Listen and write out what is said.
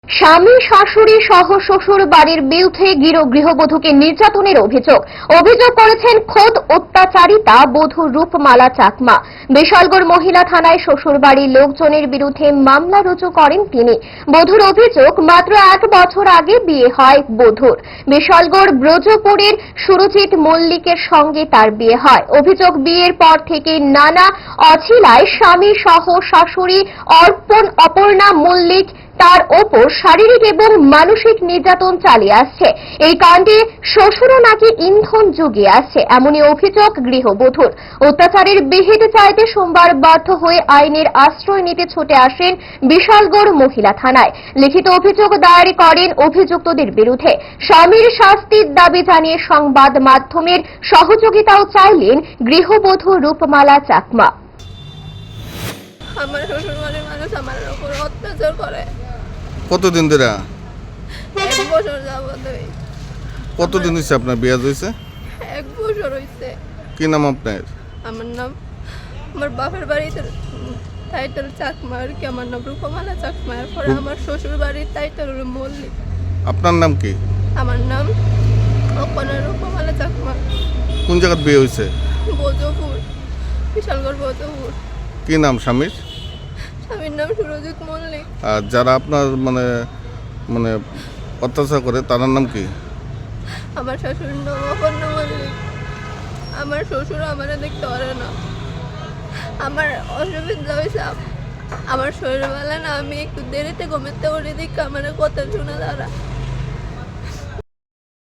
স্বামী শাশুড়ি সহ শ্বশুর বাড়ির বিরুদ্ধে গৃহবধূকে নির্যাতনের অভিযোগ করেছেন খোদ অত্যাচারিতা বধূ রূপমালা চাকমা। বিশালগড় মহিলা থানায় শ্বশুর বাড়ির লোকজনের বিরুদ্ধে মামলা রুজু করেন তিনি। বধূর অভিযোগ, মাত্র 1 বছর আগে বিয়ে হয় বধূর। বিশালগড় ব্রজপুরের সুরজিৎ মল্লিকের সঙ্গে তার বিয়ে হয়। অভিযোগ, বিয়ের পর থেকে নানা অছিলায় স্বামী সহ শাশুড়ি অপর্ণা মল্লিক তার ওপর শারীরিক এবং মানসিক নির্যাতন চালিয়ে আসছে। এই কাণ্ডে শ্বশুরও নাকি ইন্ধন জুগিয়ে আসছে, এমনই অভিযোগ গৃহবধূর। অত্যাচারের বিহিত চাইতে সোমবার বাধ্য হয়ে আইনের আশ্রয় নিতে ছুটে আসেন বিশালগড় মহিলা থানায়। লিখিত অভিযোগ দায়ের করেন অভিযুক্তদের বিরুদ্ধে। স্বামীর শাস্তির দাবি জানিয়ে সংবাদ মাধ্যমের সহযোগিতাও চাইলেন গৃহবধূ রূপমালা চাকমা। আমার শ্বশুরবাড়ির মানুষ আমার উপর অত্যাচার করে। কতদিন ধরে? 1 বছর যাবত। কতদিন হয়েছে আপনার বিয়ে হয়েছে? 1 বছর হয়েছে। কি নাম আপনার? আমার নাম, আমার বাপের বাড়িতে টাইটেল চাকমা, আর কি আমার নাম রূপমালা চাকমা। এরপরে আমার শ্বশুর বাড়ির টাইটেল হলো মল্লিক। আপনার নাম কি? আমার নাম অপর্ণা রূপমালা চাকমা। কোন জায়গায় বিয়ে হয়েছে? ব্রজপুর, বিশালগড় ব্রজপুর। কি নাম স্বামীর? স্বামীর নাম সুরজিৎ মল্লিক। আর যারা আপনার মানে অত্যাচার করে তার নাম কি? আমার শাশুড়ির নাম অপর্ণা মল্লিক। আমার শ্বশুর আমারে দেখতে পারে না। আমার অসুবিধা হয়েছে, আমার শরীরবেলা না, আমি একটু দেরিতে ঘুমাতে পারি, দেখে আমার কথা শোনা তারা।